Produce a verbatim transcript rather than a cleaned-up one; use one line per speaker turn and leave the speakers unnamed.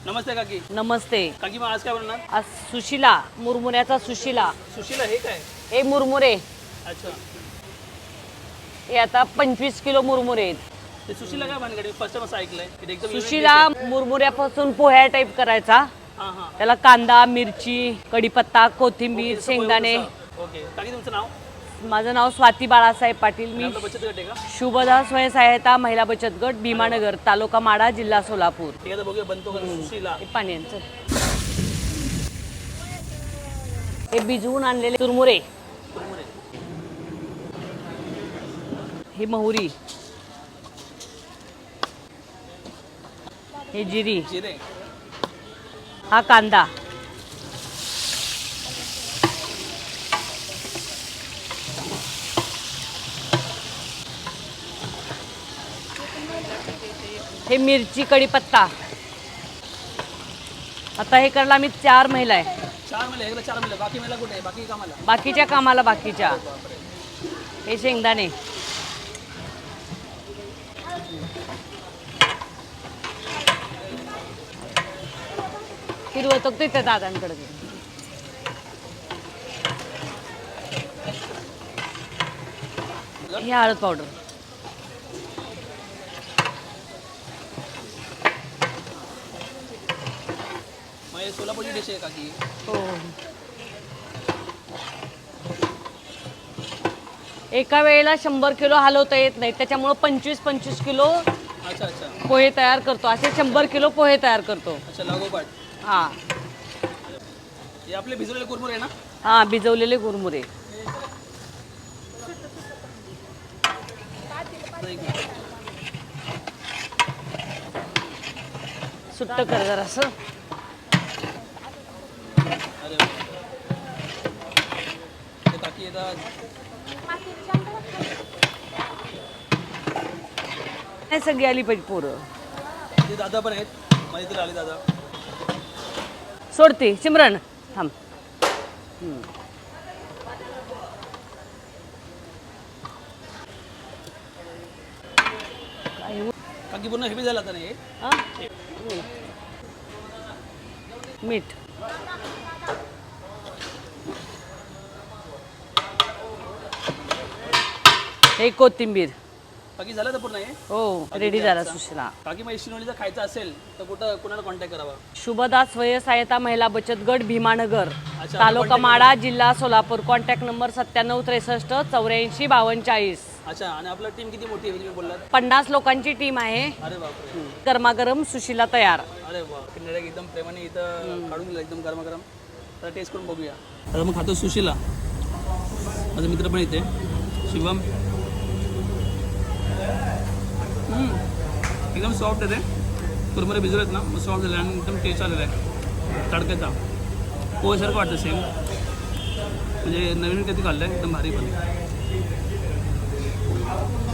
नमस्ते काकी.
नमस्ते.
काकी मग आज काय बनणार?
आज सुशिला, मुरमुऱ्याचा सुशिला.
सुशीला हे काय?
हे मुरमुरे.
अच्छा.
हे आता पंचवीस किलो मुरमुरे आहेत.
ते सुशीला काय भानगडी? फर्स्ट टाइम असं ऐकलंय. हे एकदम unique
सुशिला
dish आहे.
मुरमुऱ्यापासून पोह्या टाईप करायचा.
हां हां.
त्याला कांदा, मिरची, कढीपत्ता, कोथिंबीर,
ओके, सगळं
शेंगदाणे.
एवढंसं. ओके. काकी तुमचं नाव?
माझं नाव स्वाती बाळासाहेब पाटील.
आणि
मी
आपलं बचत गट आहे का?
शुभदा स्वयंसहायता महिला बचत गट भीमानगर, तालुका माडा, जिल्हा सोलापूर.
ठीक आहे, आता बघूया बनतो का सुशीला.
हे पाण्याचं. हे भिजवून आणलेले चुरमुरे.
मुरमुरे.
ही मोहरी, हे जिरी,
जिरे.
हा कांदा, हे मिरची, कढीपत्ता. आता हे करायला आम्ही चार महिला आहे.
चार महिला एकला चार महिला. बाकी महिला कुठे आहे? बाकी कामाला?
बाकीच्या कामाला बाकीच्या.
बापरे.
हे शेंगदाणे, फिरवतो ते त्या दादांकडे. हे हळद पावडर.
मग हे सोलापूरची डिश आहे काकी.
हो. एका वेळेला शंभर किलो हलवता येत नाही, त्याच्यामुळं पंचवीस पंचवीस किलो
अच्छा अच्छा.
पोहे तयार करतो. असे शंभर किलो पोहे तयार करतो.
अच्छा लागोपाठ.
हा
हे आपले भिजवलेले कुरमुरे आहे ना?
हा भिजवलेले कुरमुरे.
एक मिनिट.
सुट्ट कर जरासं.
अरे वा. ते काकी येतात.
हे सगळी आली पाहिजे पोरं.
ते दादा पण आहेत. माझे इथे आले दादा.
सोडते सिमरन थांब. हम्म. काय हो?
काकी पूर्ण हेवी झाला आता नाही.
हा? मीठ. हे कोथिंबीर.
काकी झालं तर पूर्ण हे?
हो रेडी झाला सुशिला.
काकी मग शिनोलीचा खायचा असेल तर कुठं कुणाला कॉन्टॅक्ट करावा?
शुभदा स्वयंसहायता महिला बचत गट भीमानगर,
अच्छा,
तालुका
contact
माडा, जिल्हा सोलापूर. कॉन्टॅक्ट नंबर सत्त्याण्णव त्रेसष्ट चौऱ्याऐंशी बावन्न चाळीस.
अच्छा. आणि आपलं टीम किती मोठी आहे तुम्ही बोललात?
पन्नास लोकांची टीम आहे.
अरे बापरे.
गरमागरम सुशिला तयार.
अरे वा. किनारे एकदम प्रेमाने इथं काढून दिलं एकदम गरमागरम. तर टेस्ट करून बघूया. आता मग खातो सुशीला. माझा मित्र पण इथे शिवम. हम्म. एकदम सॉफ्ट आहे ते. कुरमुरे भिजवलेत ना मग सॉफ्ट झाले आणि एकदम टेस्ट आलेला आहे तडक्याचा. पोहेसारखं वाटतं सेम. म्हणजे नवीन कधी खाल्लं आहे एकदम भारी पण.